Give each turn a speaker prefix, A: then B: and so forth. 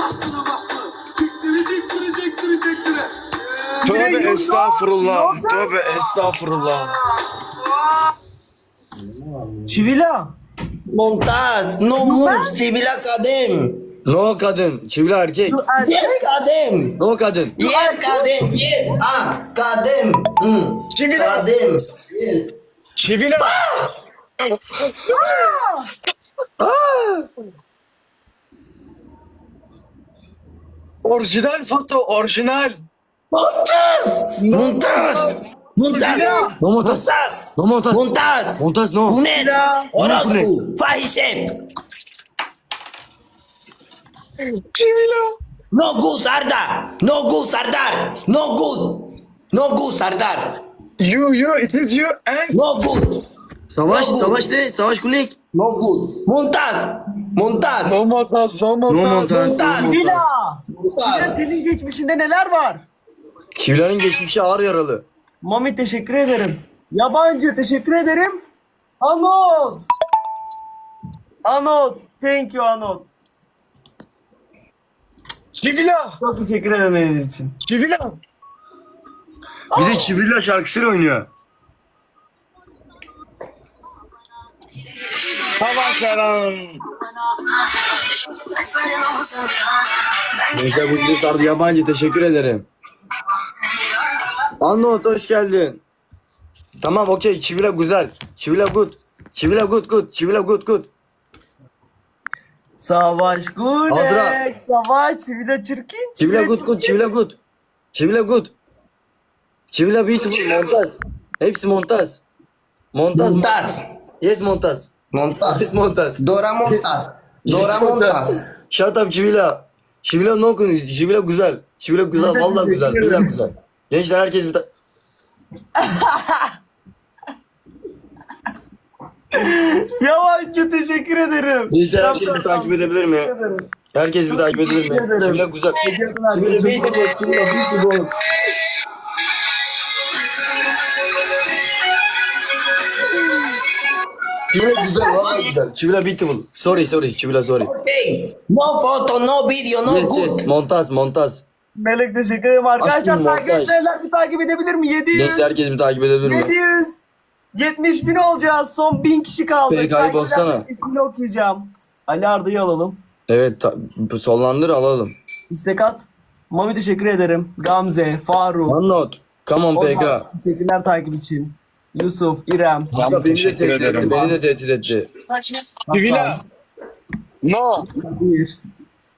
A: Tövbe estağfurullah. Tövbe estağfurullah.
B: Çivila.
C: Montaz, no moves, Çivila kadın.
D: No kadın. Çivila erkek.
C: Yes kadın.
D: No kadın.
C: Yes kadın, yes. Ah, kadın.
A: Çivila.
C: Kadın. Yes.
A: Çivila. Orijinal foto, orijinal.
C: Montaz. Montaz. Montaz.
D: No montaj.
C: Montaz.
D: No montaj.
C: Montaz.
D: Montaj no.
C: Bu ne? Orospu. Fahişe.
A: Çivila.
C: No good Sardar. No good Sardar. No good. No good Sardar.
A: You, it is you and...
C: No good.
D: Savaş.
C: No good.
D: Savaş ne? Savaş kulik.
C: No good. Montaz. Montaz.
A: No montaj, no
D: No
A: montaj.
D: montaj.
C: Montaz.
B: Çivila.
C: Montaz.
B: Senin geçmişinde neler var?
D: Çivila'nın geçmişi ağır yaralı.
B: Mami teşekkür ederim. Yabancı teşekkür ederim. Anot. Anot. Thank you Anot.
A: Çivila.
B: Çok teşekkür ederim benim için.
A: Çivila.
D: Bir de Çivila şarkısıyla oynuyor.
A: Savaş Eren.
D: Gençler bu video sardı yabancı teşekkür ederim. Anot hoş geldin. Tamam okey Çivila güzel. Çivila good. Çivila good. Çivila good.
B: Savaş
D: Azra.
B: Gulek. Savaş Çivila çirkin.
D: Çivila good. Çivila good. Çivila good. Çivila beautiful montaj. Hepsi montaj. Montaj.
C: Montaz.
D: Yes montaj.
C: Montaz.
D: Yes montaj.
C: Dora Montaz.
D: Yes,
C: Dora Montaz.
D: Shut up Çivila. Çivila no konu. Çivila güzel. Çivila güzel. Vallahi güzel. Çivila güzel. Gençler herkes bir
B: Yabancı teşekkür ederim.
D: Gençler herkes bir takip edebilir mi? Herkes bir takip edebilir mi? Çivila güzel. Çivila beautiful. Çivila beautiful. Çivila güzel. Vallahi güzel. Çivila beautiful. Sorry. Çivila sorry.
C: Okay. No photo, no video, no
D: Yes,
C: good.
D: yes. Montaj.
B: Melek teşekkür ederim arkadaşlar.
D: Aşkım,
B: Takip
D: montaj.
B: etmeyenler bir takip edebilir mi? 700.
D: Gençler herkes bir takip edebilir mi?
B: 700. 70 bin olacağız. Son 1000 kişi kaldı.
D: Peki,
B: Takip
D: bassana.
B: edenlerin ismini okuyacağım. Ali Arda'yı alalım.
D: Evet sollandır alalım.
B: İstek at. Mami teşekkür ederim. Gamze, Faruk.
D: One note. Come on PK.
B: Ozan, teşekkürler takip için. Yusuf, İrem.
D: Beni de
A: teşekkür
D: tehdit etti.
A: ederim.
D: Beni de tehdit etti.
A: Çivila. No.
B: Bir.